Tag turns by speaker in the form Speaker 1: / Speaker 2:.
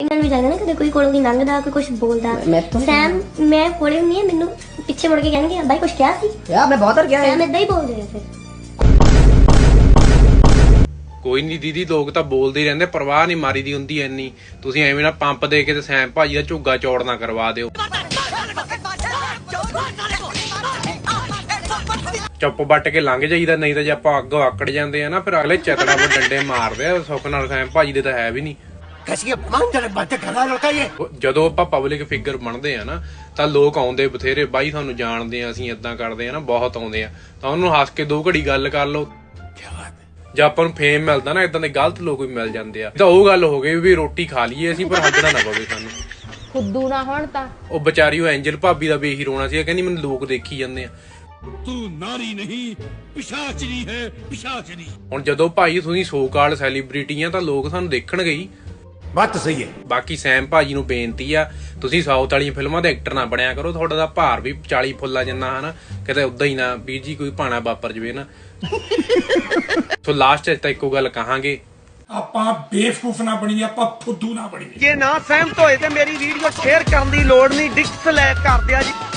Speaker 1: ਇਹਨਾਂ ਨੂੰ ਵੀ ਲੱਗਦਾ ਨਾ ਕਦੇ ਕੋਈ ਕੋਲੋਂ ਦੀ ਲੰਘਦਾ ਕੋਈ ਕੁਝ ਬੋਲਦਾ ਸੈਮ ਮੈਂ ਕੋਲੇ ਹੁੰਦੀ ਆ ਮੈਨੂੰ ਪਿੱਛੇ ਮੁੜ ਕੇ ਕਹਿਣਗੇ ਬਾਈ ਕੁਝ ਕਿਹਾ ਸੀ
Speaker 2: ਯਾਰ ਮੈਂ ਬਹੁਤ ਕਿਹਾ
Speaker 1: ਸੈਮ ਇਦਾਂ ਹੀ ਬੋਲਦੇ ਨੇ ਫਿਰ
Speaker 3: ਕੋਈ ਨਹੀਂ ਦੀਦੀ, ਲੋਕ ਤਾਂ ਬੋਲਦੇ ਹੀ ਰਹਿੰਦੇ, ਪਰਵਾਹ ਨਹੀਂ ਮਾਰੀ ਦੀ ਹੁੰਦੀ ਐਨੀ। ਤੁਸੀਂ ਐਵੇਂ ਨਾ ਪੰਪ ਦੇ ਕੇ ਤੇ ਸੈਮ ਭਾਜੀ ਦਾ ਝੁੱਗਾ ਚੌੜ ਨਾ ਕਰਵਾ ਦਿਓ। ਚੁੱਪ ਵੱਟ ਕੇ ਲੰਘ ਜਾਈਦਾ, ਨਹੀਂ ਤਾਂ ਜੇ ਆਪਾਂ ਅੱਗੋਂ ਆਕੜ ਜਾਂਦੇ ਆ ਨਾ ਫਿਰ ਅਗਲੇ ਚਤੜਾ ਵਿੱਚ ਡੰਡੇ ਮਾਰਦੇ ਆ। ਸੁੱਖ ਨਾਲ ਸੈਮ ਭਾਜੀ ਦੇ ਤਾਂ ਹੈ ਵੀ ਨਹੀਂ। ਜਦੋਂ ਆਪਾਂ ਪਬਲਿਕ ਫਿਗਰ ਬਣਦੇ ਆ ਨਾ ਤਾਂ ਲੋਕ ਆਉਂਦੇ ਬਥੇਰੇ, ਬਾਈ ਤੁਹਾਨੂੰ ਜਾਣਦੇ ਆ, ਅਸੀਂ ਏਦਾਂ ਕਰਦੇ ਆ ਨਾ, ਬਹੁਤ ਆਉਂਦੇ ਆ। ਤਾਂ ਉਹਨੂੰ ਹੱਸ ਕੇ 2 ਘੜੀ ਗੱਲ ਕਰ ਲਓ। ਜੇ ਆਪਾਂ ਨੂੰ ਫੇਮ ਮਿਲਦਾ ਨਾ, ਏਦਾਂ ਦੇ ਗਲਤ ਲੋਕ ਵੀ ਮਿਲ ਜਾਂਦੇ ਆ। ਤਾਂ ਉਹ ਗੱਲ ਹੋ ਗਈ ਵੀ ਰੋਟੀ ਖਾ ਲਈਏ ਅਸੀਂ, ਪਰ ਹੱਜਣਾ ਨਾ ਪਵੇ ਸਾਨੂੰ।
Speaker 4: ਖੁੱਦੂ ਨਾ ਹੋਣ ਤਾਂ
Speaker 3: ਉਹ ਵਿਚਾਰੀ ਉਹ ਐਂਜਲ ਭਾਬੀ ਦਾ ਵੀ ਇਹੀ ਰੋਣਾ ਸੀ, ਕਹਿੰਦੀ ਮੈਨੂੰ ਲੋਕ ਦੇਖੀ ਜਾਂਦੇ ਆ।
Speaker 5: ਤੂੰ ਨਾਰੀ ਨਹੀਂ ਪਿਸ਼ਾਚਨੀ ਹੈ, ਪਿਸ਼ਾਚਨੀ।
Speaker 3: ਹੁਣ ਜਦੋਂ ਭਾਈ ਤੁਸੀਂ ਸੋ ਕਾਲ ਸੈਲੀਬ੍ਰਿਟੀ ਆ ਤਾਂ ਲੋਕ ਸਾਨੂੰ ਦੇਖਣਗੇ ਹੀ।
Speaker 5: ਬਾਤ ਸਹੀ ਹੈ।
Speaker 3: ਬਾਕੀ ਸੈਮ ਭਾਜੀ ਨੂੰ ਬੇਨਤੀ ਆ, ਤੁਸੀਂ ਸਾਊਥ ਵਾਲੀਆਂ ਫਿਲਮਾਂ ਦੇ ਐਕਟਰ ਨਾ ਬਣਿਆ ਕਰੋ। ਤੁਹਾਡਾ ਦਾ ਭਾਰ ਵੀ 40 ਫੁੱਲਾ ਜਿੰਨਾ ਹਨਾ, ਕਿਤੇ ਉਦਾਂ ਹੀ ਨਾ ਵੀਰ ਜੀ ਕੋਈ ਭਾਣਾ ਵਾਪਰ ਜਵੇ ਨਾ। ਸੋ ਲਾਸਟ ਚ ਤਾਂ ਇੱਕੋ ਗੱਲ ਕਹਾਂਗੇ,
Speaker 5: ਆਪਾਂ ਬੇਵਕੂਫ ਨਾ ਬਣੀਏ, ਆਪਾਂ ਫੁੱਦੂ ਨਾ ਬਣੀਏ।
Speaker 2: ਜੇ ਨਾ ਸਹਿਮਤ ਹੋਏ ਤੇ ਮੇਰੀ ਵੀਡੀਓ ਸ਼ੇਅਰ ਕਰਨ ਦੀ ਲੋੜ ਨਹੀਂ, ਡਿਸਲਾਈਕ ਕਰ ਦਿਆ ਜੀ।